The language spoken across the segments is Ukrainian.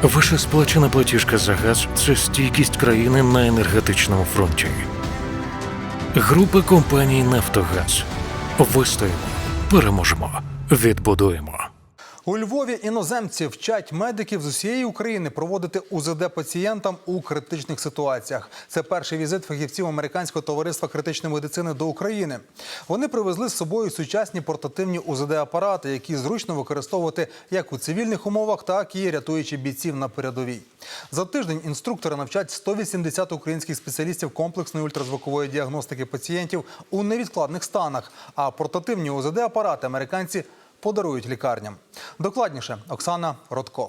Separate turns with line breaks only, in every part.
Ваша сплачена платіжка за газ – це стійкість країни на енергетичному фронті. Група компаній «Нафтогаз». Вистоїмо, переможемо, відбудуємо.
У Львові іноземці вчать медиків з усієї України проводити УЗД пацієнтам у критичних ситуаціях. Це перший візит фахівців Американського товариства критичної медицини до України. Вони привезли з собою сучасні портативні УЗД-апарати, які зручно використовувати як у цивільних умовах, так і рятуючи бійців на передовій. За тиждень інструктори навчать 180 українських спеціалістів комплексної ультразвукової діагностики пацієнтів у невідкладних станах, а портативні УЗД-апарати американці подарують лікарням. Докладніше Оксана Родко.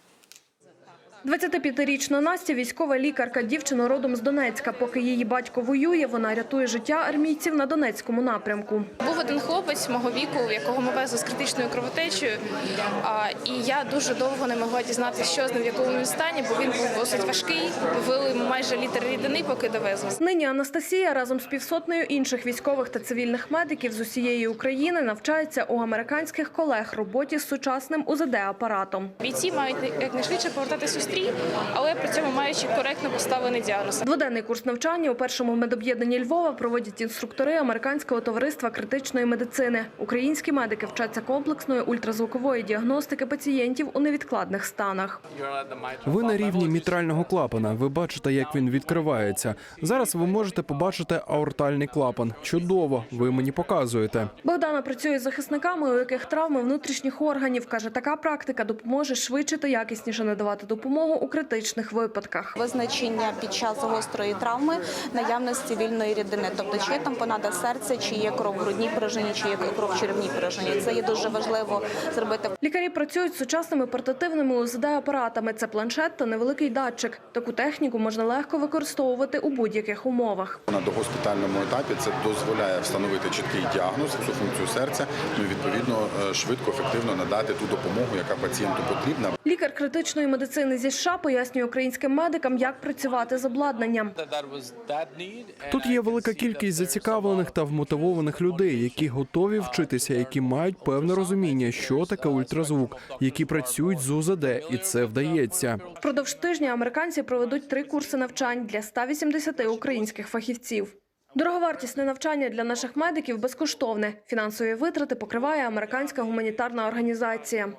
25-річна Настя – військова лікарка. Дівчина родом з Донецька. Поки її батько воює, вона рятує життя армійців на Донецькому напрямку.
Був один хлопець мого віку, якого ми везли з критичною кровотечею. І я дуже довго не могла дізнатися, що з ним, в якому він стані, бо він був досить важкий. Вили майже літр рідини, поки довезли.
Нині Анастасія разом з півсотнею інших військових та цивільних медиків з усієї України навчається у американських колег роботі з сучасним УЗД-апаратом.
Бійці мають якнайшвидше повертатися у стрій, але при цьому маючи коректно поставлений діагноз.
Дводенний курс навчання у першому медоб'єднанні Львова проводять інструктори Американського товариства критичної медицини. Українські медики вчаться комплексної ультразвукової діагностики пацієнтів у невідкладних станах.
Ви на рівні мітрального клапана. Ви бачите, як він відкривається. Зараз ви можете побачити аортальний клапан. Чудово, ви мені показуєте.
Богдана працює з захисниками, у яких травми внутрішніх органів. Каже, така практика допоможе швидше та якісніше надавати допомогу у критичних випадках.
Визначення під час гострої травми наявності вільної рідини, тобто чи є тампонада серця, чи є кров в грудній порожнині, чи є кров в черевній порожнині. Це є дуже важливо зробити.
Лікарі працюють з сучасними портативними УЗД-апаратами. Це планшет та невеликий датчик. Таку техніку можна легко використовувати у будь-яких умовах.
На догоспітальному етапі це дозволяє встановити чіткий діагноз, всю функцію серця, і відповідно швидко, ефективно надати ту допомогу, яка пацієнту потрібна.
Лікар критичної медицини зі США пояснює українським медикам, як працювати з обладнанням.
Тут є велика кількість зацікавлених та вмотивованих людей, які готові вчитися, які мають певне розуміння, що таке ультразвук, які працюють з УЗД, і це вдається.
Впродовж тижня американці проведуть 3 курси навчань для 180 українських фахівців. Дороговартісне навчання для наших медиків безкоштовне. Фінансові витрати покриває американська гуманітарна організація.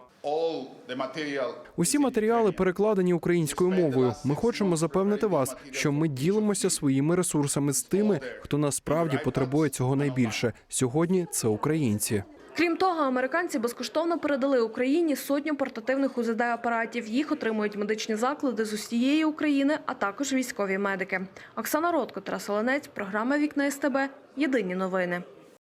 Усі матеріали перекладені українською мовою. Ми хочемо запевнити вас, що ми ділимося своїми ресурсами з тими, хто насправді потребує цього найбільше. Сьогодні це українці.
Крім того, американці безкоштовно передали Україні сотню портативних УЗД-апаратів. Їх отримують медичні заклади з усієї України, а також військові медики. Оксана Родко, Тарас Оленець, програма «Вікна СТБ». Єдині новини.